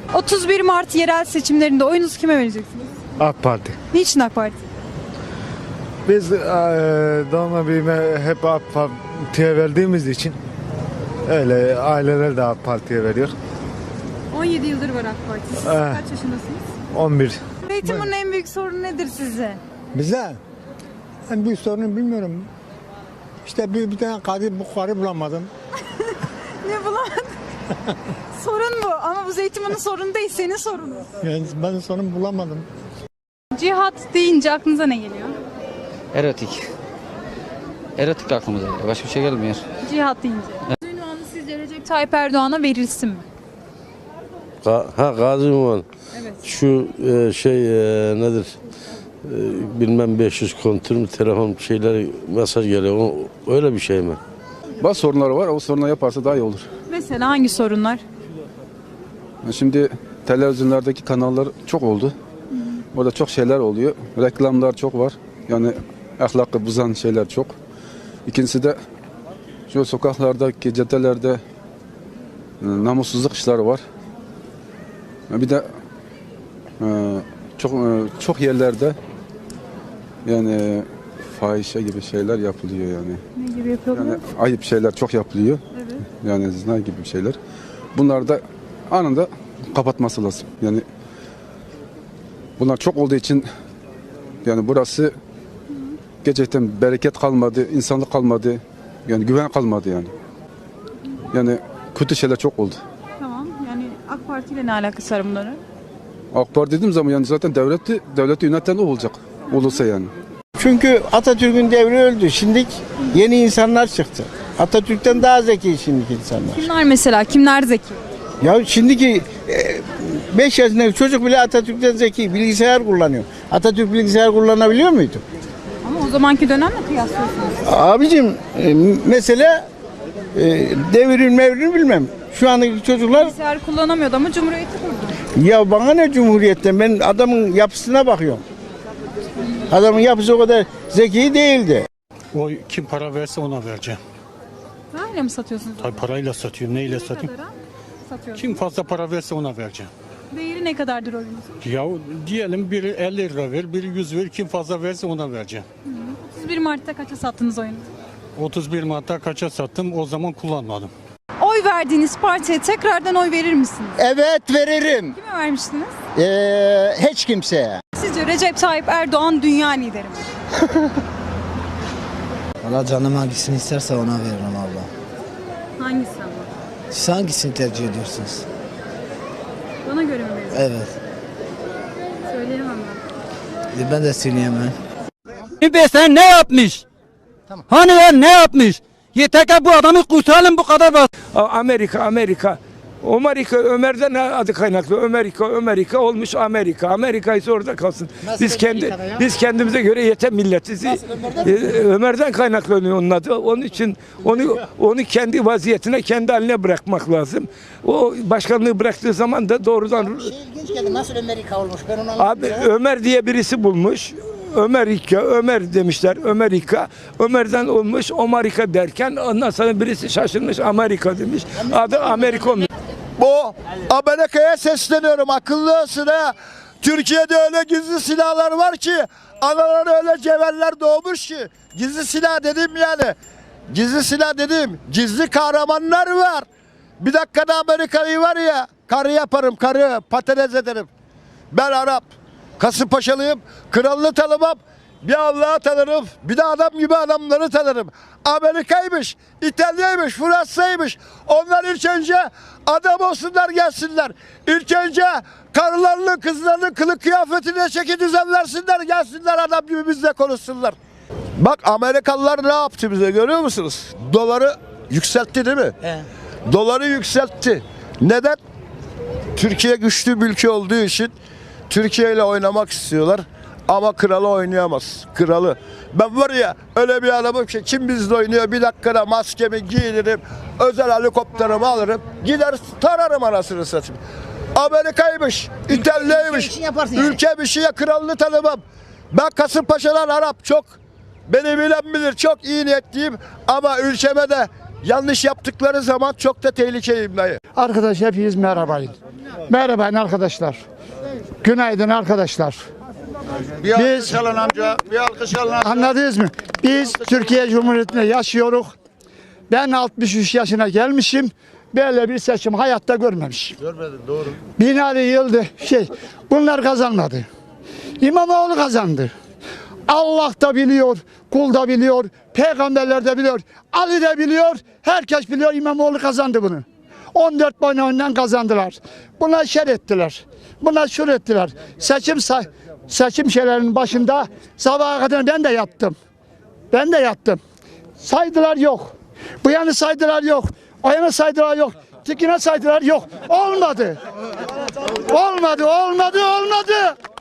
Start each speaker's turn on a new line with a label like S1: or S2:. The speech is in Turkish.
S1: 31 Mart yerel seçimlerinde oyunuzu kime vereceksiniz?
S2: AK Parti.
S1: Niçin AK Parti?
S2: Biz doğma büyüme hep AK Parti'ye verdiğimiz için öyle aileler de AK Parti'ye veriyor.
S1: 17 yıldır var AK Parti. Siz kaç yaşındasınız?
S2: 11.
S1: Eğitimin en büyük sorunu nedir sizce?
S3: Bize en büyük sorunu bilmiyorum. İşte bir tane karı bulamadım.
S1: Ne bulamadın? Sorun bu ama bu Zeytinburnu'nun sorunu değil, senin sorunun.
S3: Yani ben sorun bulamadım.
S1: Cihat deyince aklınıza ne geliyor?
S4: Erotik. Erotik aklımıza geliyor. Başka bir şey gelmiyor.
S1: Cihat deyince. Ünvanı sizce Recep Tayyip Erdoğan'a verilsin mi?
S5: Gazi Ünvan.
S1: Evet.
S5: Şu nedir? Bilmem 500 kontür mü telefon şeyler mesaj geliyor. Öyle bir şey mi?
S6: Bazı sorunları var. O sorunları yaparsa daha iyi olur.
S1: Mesela hangi sorunlar?
S6: Şimdi televizyonlardaki kanallar çok oldu. Orada çok şeyler oluyor. Reklamlar çok var. Yani ahlakı bozan şeyler çok. İkincisi de şu sokaklardaki caddelerde namussuzluk işleri var. Bir de çok yerlerde yani fahişe gibi şeyler yapılıyor yani.
S1: Ne gibi yapıyorlar?
S6: Yani ayıp şeyler çok yapılıyor.
S1: Evet.
S6: Yani zina gibi şeyler. Bunlar da anında kapatması lazım. Yani bunlar çok olduğu için yani burası gerçekten bereket kalmadı, insanlık kalmadı. Yani güven kalmadı yani. Yani kötü şeyler çok oldu.
S1: Tamam. Yani AK Parti ile ne alakası var bunların?
S6: AK Parti dediğim zaman yani zaten devleti yöneten o olacak. Olursa yani.
S3: Çünkü Atatürk'ün devri öldü. Şimdi yeni insanlar çıktı. Atatürk'ten daha zeki şimdiki insanlar.
S1: Kimler mesela? Kimler zeki?
S3: Ya şimdiki 5 yaşındaki çocuk bile Atatürk'ten zeki. Bilgisayar kullanıyor. Atatürk bilgisayar kullanabiliyor muydu?
S1: Ama o zamanki dönemle kıyaslıyorsunuz.
S3: Abicim mesela devrin mevrini bilmem. Şu andaki çocuklar
S1: Bilgisayar kullanamıyordu ama Cumhuriyeti kurdu.
S3: ya bana ne cumhuriyetten, ben adamın yapısına bakıyorum. Adamın yapısı o kadar zeki değildi.
S7: O kim para verse ona vereceğim.
S1: Parayla mı satıyorsunuz?
S7: Tabii parayla satıyorum, neyle
S1: Ne
S7: satayım?
S1: kadara satıyorsunuz?
S7: Kim fazla para verse ona vereceğim.
S1: Değeri ne kadardır oyunuzun?
S7: Ya diyelim biri 50 lira ver, biri 100 ver, kim fazla verse ona vereceğim.
S1: 31 Mart'ta kaça sattınız oyunu?
S7: 31 Mart'ta kaça sattım, o zaman kullanmadım.
S1: Oy verdiğiniz partiye tekrardan oy verir misiniz?
S3: Evet veririm.
S1: Kime vermiştiniz?
S3: Hiç kimseye.
S1: Sizce Recep Tayyip Erdoğan dünya lideri mi?
S8: Valla canım hangisini isterse ona veririm abla.
S1: Hangisi ama?
S8: Siz hangisini tercih ediyorsunuz?
S1: Bana göre mi verir?
S8: Evet.
S1: Söyleyemem ben.
S8: Ben de söyleyemem.
S9: Sen ne yapmış? Hani ya ne yapmış? Yeter ki bu adamı kurtaralım, bu kadar bas.
S10: Amerika. Ömer'den adı kaynaklı. Amerika olmuş Amerika. Amerika ise orada kalsın. Biz kendimize göre yeter milletiz. Ömer'den kaynaklanıyor onun adı. Onun için onu kendi vaziyetine, kendi haline bırakmak lazım. O başkanlığı bıraktığı zaman da doğrudan
S8: İlginç geldi. Nasıl Amerika olmuş? Ben onu
S10: abi Ömer diye birisi bulmuş. Ömer demişler. Ömer'den olmuş Amerika derken ondan sonra birisi şaşırmış Amerika demiş. Adı Amerika olmuş.
S2: Bu Amerika'ya sesleniyorum, akıllı olsun ha. Türkiye'de öyle gizli silahlar var ki, anaları öyle cevherler doğmuş ki. Gizli silah dedim yani. Gizli silah dedim. Gizli kahramanlar var. Bir dakikada Amerika'yı var ya, karı yaparım, patates ederim. Ben Arap, Kasımpaşalıyım, kralını tanımam. Bir Allah'ı tanırım, bir de adam gibi adamları tanırım. Amerika'ymış, İtalya'ymış, Fransa'ymış. Onlar ilk önce adam olsunlar, gelsinler. İlk önce karılarını, kızlarını kılık kıyafetine çeki düzen versinler, gelsinler adam gibi bizle konuşsunlar. Bak Amerikalılar ne yaptı bize, görüyor musunuz? Doları yükseltti değil mi? Doları yükseltti. Neden? Türkiye güçlü bir ülke olduğu için Türkiye ile oynamak istiyorlar. Ama kralı oynayamaz. Kralı. Ben var ya öyle bir adamım ki kim bizle oynuyor, bir dakikada maskemi giyinirim, özel helikopterimi alırım, gider tararım anasını satayım. Amerika'ymış, İtalya'ymış, ülke bir şeye kralını tanımam. Ben Kasımpaşa'dan Arap çok, beni bilen bilir, çok iyi niyetliyim ama ülkeme de Yanlış yaptıkları zaman çok da tehlikeliyim dayı.
S11: Arkadaş hepiniz merhabayın. Merhabayın arkadaşlar. Günaydın arkadaşlar.
S2: Bir alkış alın amca. Bir alkış alın amca.
S11: Anladınız mı? Biz Türkiye Cumhuriyeti'nde yaşıyoruz. Ben 63 yaşına gelmişim. Böyle bir seçim hayatta görmemişim.
S2: Görmedim, doğru.
S11: Binali Yıldız bunlar kazanmadı. İmamoğlu kazandı. Allah da biliyor, kul da biliyor, peygamberler de biliyor, Ali de biliyor, herkes biliyor İmamoğlu kazandı bunu. 14 oyundan kazandılar. Buna şer ettiler. Buna şur ettiler. Seçim şeylerinin başında sabaha kadar ben de yattım. Ben de yattım. Saydılar yok. Bu yanı saydılar yok. O yana saydılar yok. Tikine saydılar yok. Olmadı. Olmadı.